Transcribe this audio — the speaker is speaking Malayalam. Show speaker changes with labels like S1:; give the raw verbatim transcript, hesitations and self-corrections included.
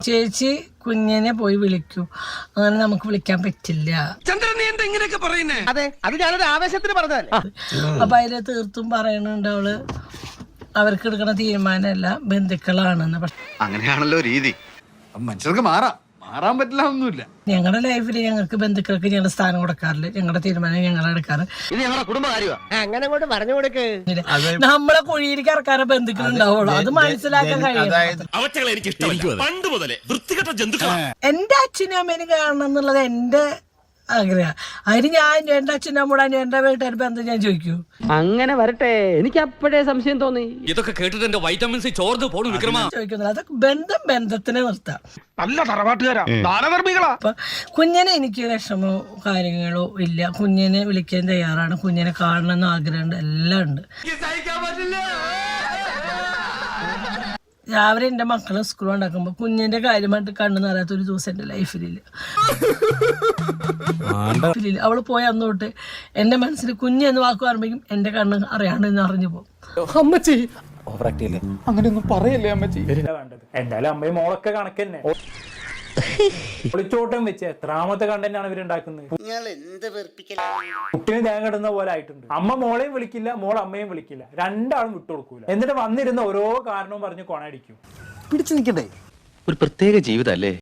S1: ചേച്ചി കുഞ്ഞിനെ പോയി വിളിക്കൂ, അങ്ങനെ നമുക്ക് വിളിക്കാൻ പറ്റില്ല.
S2: അതെ, അത് ഞാനൊരു ആവേശത്തിന് പറഞ്ഞതല്ലേ.
S1: അപ്പൊ അതില് തീർത്തും പറയണുണ്ട് അവള് അവർക്ക് എടുക്കുന്ന തീരുമാനമല്ല ബന്ധുക്കളാണെന്ന്. പക്ഷെ
S3: അങ്ങനെയാണല്ലോ രീതി. മനുഷ്യർക്ക് മാറാം, മാറാൻ പറ്റില്ല ഒന്നുമില്ല.
S1: ഞങ്ങളുടെ ലൈഫിൽ ഞങ്ങൾക്ക് ബന്ധുക്കൾക്ക് ഞങ്ങളുടെ സ്ഥാനം കൊടുക്കാറില്ല, ഞങ്ങളുടെ തീരുമാനം ഞങ്ങൾ എടുക്കാറ്.
S2: ഇത് ഞങ്ങളുടെ കുടുംബകാര്യമാണ്, അങ്ങനെ കൊണ്ട് പറഞ്ഞു കൊടുക്ക്.
S1: നമ്മളെ കുഴിയിലേക്ക് ഇറക്കാറ് ബന്ധുക്കൾ ഉണ്ടാവുള്ളൂ, അത് മനസ്സിലാക്കാൻ കഴിയും. എന്റെ അച്ഛനും അമ്മേനും കാണണം എന്നുള്ളത് എന്റെ ആഗ്രഹം. അതിന് ഞാൻ എന്റെ അച്ഛനും അമ്മൂടാനും എന്റെ വീട്ടുകാർ ബന്ധം ഞാൻ ചോദിക്കൂ.
S4: അങ്ങനെ വരട്ടെ, എനിക്ക് അപ്പോഴേ സംശയം തോന്നി.
S5: ഇതൊക്കെ കേട്ടിട്ട് എന്റെ വൈറ്റമിൻ സി ചോർന്ന് പോണു വിക്രമ.
S1: ചോദിക്കുന്നില്ല, അതൊക്കെ ബന്ധം ബന്ധത്തിനെ നിർത്താം.
S2: നല്ല തറവാട്ടുകാരാ, ദാനധർമ്മികളാ.
S1: അപ്പൊ കുഞ്ഞിനെ എനിക്ക് വിഷമോ കാര്യങ്ങളോ ഇല്ല, കുഞ്ഞിനെ വിളിക്കാൻ തയ്യാറാണ്, കുഞ്ഞിനെ കാണണമെന്ന് ആഗ്രഹമുണ്ട്, എല്ലാം ഉണ്ട്. രാവിലെ എന്റെ മക്കളെ സ്കൂൾ ഉണ്ടാക്കുമ്പോ കുഞ്ഞിന്റെ കാര്യമായിട്ട് കണ്ണു നിറയാത്ത ഒരു ദിവസം എന്റെ ലൈഫിലില്ല. അവള് പോയ അന്ന് തൊട്ട് എന്റെ മനസ്സിൽ കുഞ്ഞ് എന്ന് വാക്ക് പറയുമ്പോഴേക്കും എന്റെ കണ്ണ് അറിയാണ്ട് അറിഞ്ഞു പോകും.
S6: അമ്മച്ചി അങ്ങനെയൊന്നും പറയല്ലേ അമ്മച്ചി.
S7: എന്തായാലും അമ്മയും മോളൊക്കെ കണക്കന്നെ. ഒളിച്ചോട്ടം വെച്ച് എത്രാമത്തെ കണ്ടന്റാണ് ഇവരുണ്ടാക്കുന്നത്. കുട്ടിനെ തേങ്ങ ഇടുന്ന പോലെ ആയിട്ടുണ്ട്. അമ്മ മോളെയും വിളിക്കില്ല, മോൾ അമ്മയും വിളിക്കില്ല, രണ്ടാളും വിട്ടുകൊടുക്കൂല. എന്നിട്ട് വന്നിരുന്ന ഓരോ കാരണവും പറഞ്ഞ് കൊണയടിക്കും.
S3: പിടിച്ചു നിൽക്കണ്ടേ, ഒരു പ്രത്യേക ജീവിതം അല്ലേ.